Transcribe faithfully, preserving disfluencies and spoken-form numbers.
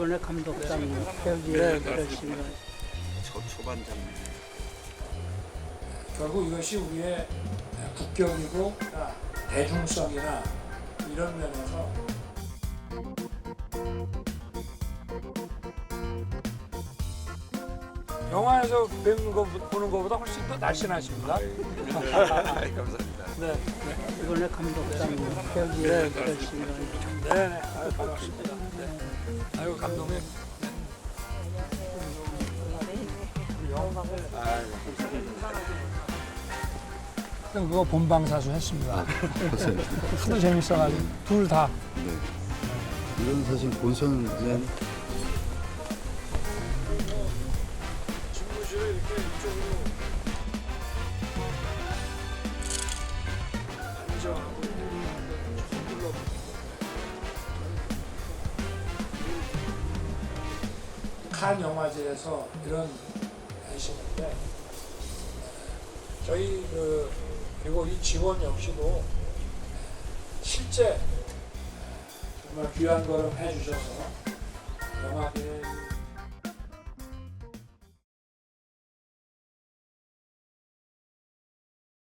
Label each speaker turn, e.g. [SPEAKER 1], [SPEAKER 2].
[SPEAKER 1] 이번에 감독상 여기에
[SPEAKER 2] 네,
[SPEAKER 1] 그러신
[SPEAKER 3] 초, 초반 장면.
[SPEAKER 2] 결국 이것이 우리의 국격이고 대중성이나 이런 면에서 영화에서 뵙는 거 보는 것보다 훨씬 더 날씬하십니다.
[SPEAKER 3] 감사합니다.
[SPEAKER 2] 네,
[SPEAKER 1] 이번에 감독상 여기에 그러신
[SPEAKER 2] 네, 네, 아유, 반갑습니다. 네. 아유 감독님. 그럼 그거 본방사수 했습니다. 하도 재밌어가지고 둘 다.
[SPEAKER 4] 네. 이건 사실 본선은
[SPEAKER 2] 집무실을 이렇게 이쪽으로 안정하고 눌러. 칸 영화제에서 이런 하시는데 저희 그 그리고 이 직원 역시도 실제 정말 귀한 걸음 해주셔서 영화계에